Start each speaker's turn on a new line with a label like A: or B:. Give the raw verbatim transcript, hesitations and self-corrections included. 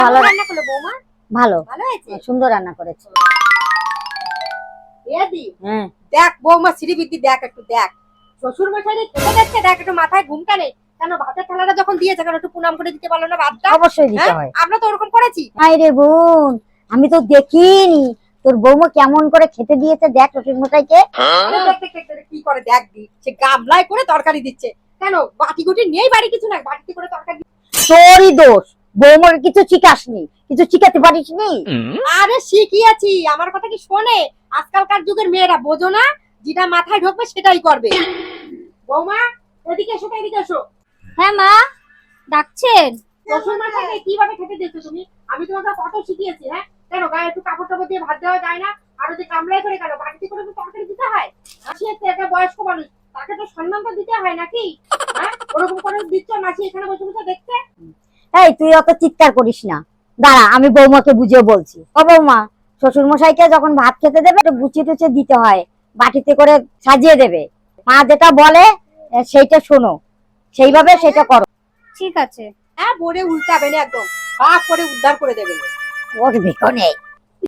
A: ভালো রান্না করলো বৌমা? ভালো
B: ভালো হয়েছে,
A: সুন্দর রান্না করেছে।
B: এদি
A: হ্যাঁ
B: দেখ বৌমা শ্রীবিদ্যি দেখ একটু দেখ, শ্বশুর মশাই খেতে যাচ্ছে, দেখ একটু মাথায় ঘুমটা নেই কেন? ভাতের থালাটা যখন দিয়েছে কেন একটু প্রণাম করে দিতে পারলো না ভাতটা?
A: অবশ্যই দিতে হয়।
B: আমরা তো ওরকম করেছি।
A: আই রে বোন, আমি তো দেখিনি তোর বৌমা কেমন করে খেতে দিয়েছে, দেখ শ্বশুর মশাইকে।
B: কি করে দেখ দি, সে গামলায় করে তরকারি দিচ্ছে কেন? বাটি গুটি নেই বাড়ি, কিছু না, বাটিতে করে তরকারি।
A: তোরই দোষ, বৌমাকে কিছু শিখাসনি, কিছু শিখাতে পারিসনি।
B: আরে শিখিয়েছি, আমার কথা কি শোনে? আজকালকার যুগের মেয়েরা বোঝো না, যেটা মাথায় ঢোকবে সেটাই করবে। বৌমা এদিকে এসো, এদিকে এসো।
C: হ্যাঁ মা, ডাকছেন?
B: শ্বশুর মশাইকে কিভাবে খেতে দিচ্ছ তুমি? আমি তোমাকে কত শিখিয়েছি, হ্যাঁ? কেন গায়ে একটু কাপড় টাপড় দিয়ে ভাত দেওয়া যায় না? আর ওই যে গামলায় করে কেন বাটিতে করে তো তরকারি দিতে হয়? মাসি হচ্ছে একটা বয়স্ক মানুষ, তাকে তো সম্মানটা দিতে হয় নাকি? হ্যাঁ, ওরকম করে দিচ্ছ, মাসি এখানে বসে বসে দেখছে।
A: এই তুই অত চিৎকার করিস না, দাঁড়া আমি বৌমাকে বুঝিয়ে বলছি। ও বৌমা, শ্বশুর মশাইকে যখন ভাত খেতে দেবে একটু গুছিয়ে টুচিয়ে দিতে হয়, বাটিতে করে সাজিয়ে দেবে। মা যেটা বলে সেইটা শোনো, সেইভাবে সেটা করো।
C: ঠিক আছে।
B: হ্যাঁ, বলে উল্টাবে না, একদম বাপ করে উদ্ধার করে দেবে।
A: ওর বেকনে